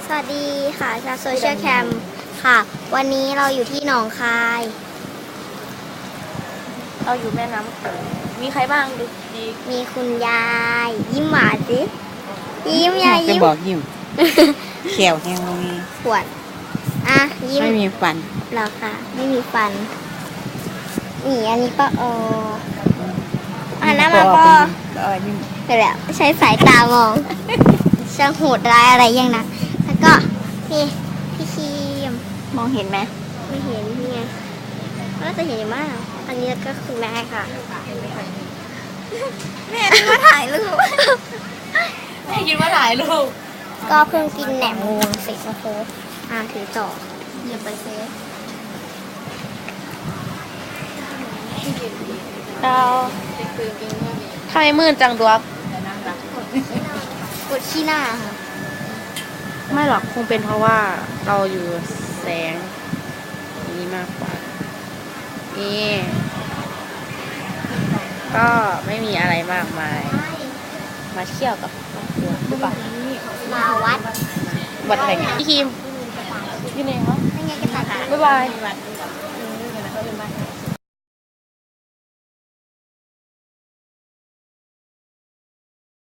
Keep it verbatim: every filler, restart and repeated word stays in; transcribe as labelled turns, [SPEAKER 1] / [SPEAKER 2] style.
[SPEAKER 1] สวัสดีค่ะชาวโซเชียลแคมค่ะ วันนี้เราอยู่ที่หนองคาย
[SPEAKER 2] เราอยู่แม่น้ำโขงมีใครบ้างดูดี
[SPEAKER 1] มีคุณยาย ยิ้มหวานสิยิ้มยาย
[SPEAKER 3] จะ
[SPEAKER 1] ยิ้ม
[SPEAKER 3] บอกยิ้ม เขียวแห้งมี
[SPEAKER 1] ขวดอ่ะยิ้ม
[SPEAKER 3] ไม่มีฟัน
[SPEAKER 1] เหรอคะไม่มีฟันนี่อันนี้ก็เอออ่านหน้ามาก็
[SPEAKER 3] เออยิ้ม
[SPEAKER 1] เดี๋ยวแหละใช้สายตามองช่างโหดร้ายอะไรยังนะแล้วก็นี่พี่ครีม
[SPEAKER 2] มองเห็นไหม
[SPEAKER 1] ไม่เห็นนี่ไงน่าจะเห็นอยู่มากอันนี้ก็คือแม่ค่ะ
[SPEAKER 2] แม่คิดว่าถ่ายรูปแม่คิดว่าถ่ายรูป
[SPEAKER 1] ก็เพิ่งกินแหนมงูเสร็จโอ้โหอ่าถือต่อ
[SPEAKER 2] อย่าไปเซฟเราทำไมมืดจังดวก
[SPEAKER 1] กดขี้หน้าค่ะ
[SPEAKER 2] ไม่หรอกคงเป็นเพราะว่าเราอยู่แสงนี้มากกว่านี่ก็ไม่มีอะไรมากมาย มาเที่ยวกับครอบครัวหรือเปล่า
[SPEAKER 1] มาวัด
[SPEAKER 2] วัดอะไรเงี้ยพี่คิมพี่เนยครับ
[SPEAKER 1] ไม่ไงก็ตัด
[SPEAKER 2] บ๊ายบาย
[SPEAKER 1] ส